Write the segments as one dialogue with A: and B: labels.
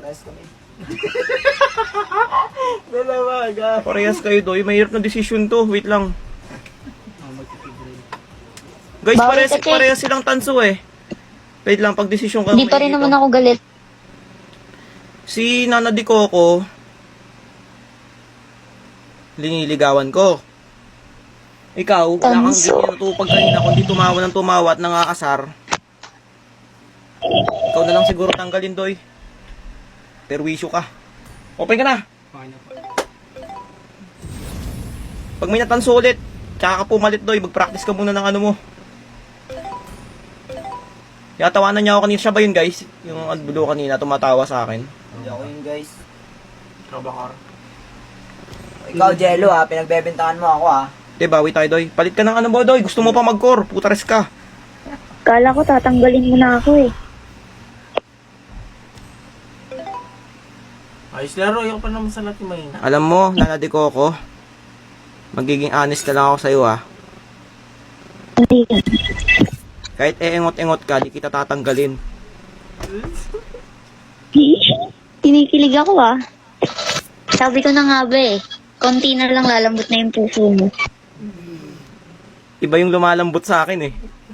A: Parehas kami. Dalawa, agad.
B: Parehas kayo, Doy. Mahirap na decision to. Wait lang. Guys,
C: Bakit kasi?
B: parehas silang tanso eh. Wait lang, pag decision ka.
C: Hindi pa rin naman ako galit.
B: Si Nana Di Coco, liniligawan ko. Ikaw, wala kang
C: Tanso.
B: ganyan natupag kanina, kundi tumawa ng tumawa at nangakasar. Ikaw na lang siguro tanggalin, Doy. Perwisyo ka. Open ka na.
A: Okay na po.
B: Pag may natanso ulit, tsaka ka pumalit, Doy. Mag-practice ka muna ng ano mo. Yatawanan niya ako kanina. Siya ba yun, guys? Yung adbulo kanina, tumatawa sa akin.
A: Hindi ako yun, guys.
B: Trabakar.
A: Ikaw, Jello, ha. Pinagbebentahan mo ako, ha.
B: Bawi tayo, Doy. Palit ka ng ano mo, Doy. Gusto mo pa mag-core. Putares ka.
C: Kala ko tatanggalin mo na ako eh.
D: Ayos laro, yung pa naman sa lahat yung mahina.
B: Alam mo, Nana Di Coco, magiging honest na lang ako sa'yo, ha.
C: Hindi ka.
B: Kahit engot-engot ka, di kita tatanggalin.
C: Kinikilig ako ah. Sabi ko na nga ba eh. Konti na lang lalambot na yung puso mo.
B: Iba yung lumalambot sa akin, eh.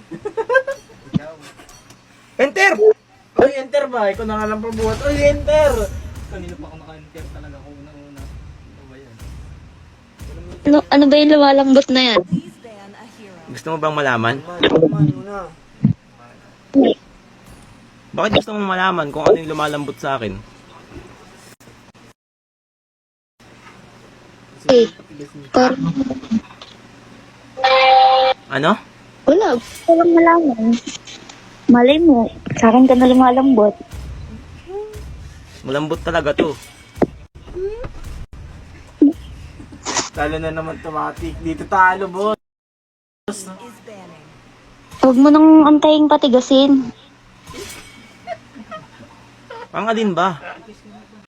B: Enter!
D: Uy, enter ba? Ikaw na nga lang pabuhat. Uy, enter!
A: Kanina pa ako naka-enter talaga ako unang-una. Ano ba yan?
C: Ano ba yung lumalambot na yan?
B: Gusto mo bang malaman?
A: Muna.
B: Bakit gusto mo malaman kung ano yung lumalambot sa akin?
C: Eh, or,
B: Ano?
C: wala. Gusto lang malaman. Malay mo, sa akin ka na lumalambot.
B: Malambot talaga to.
D: Talo na naman automatic. Dito talo, boss.
C: Huwag mo nang antayin patigasin.
B: Ang alin ba?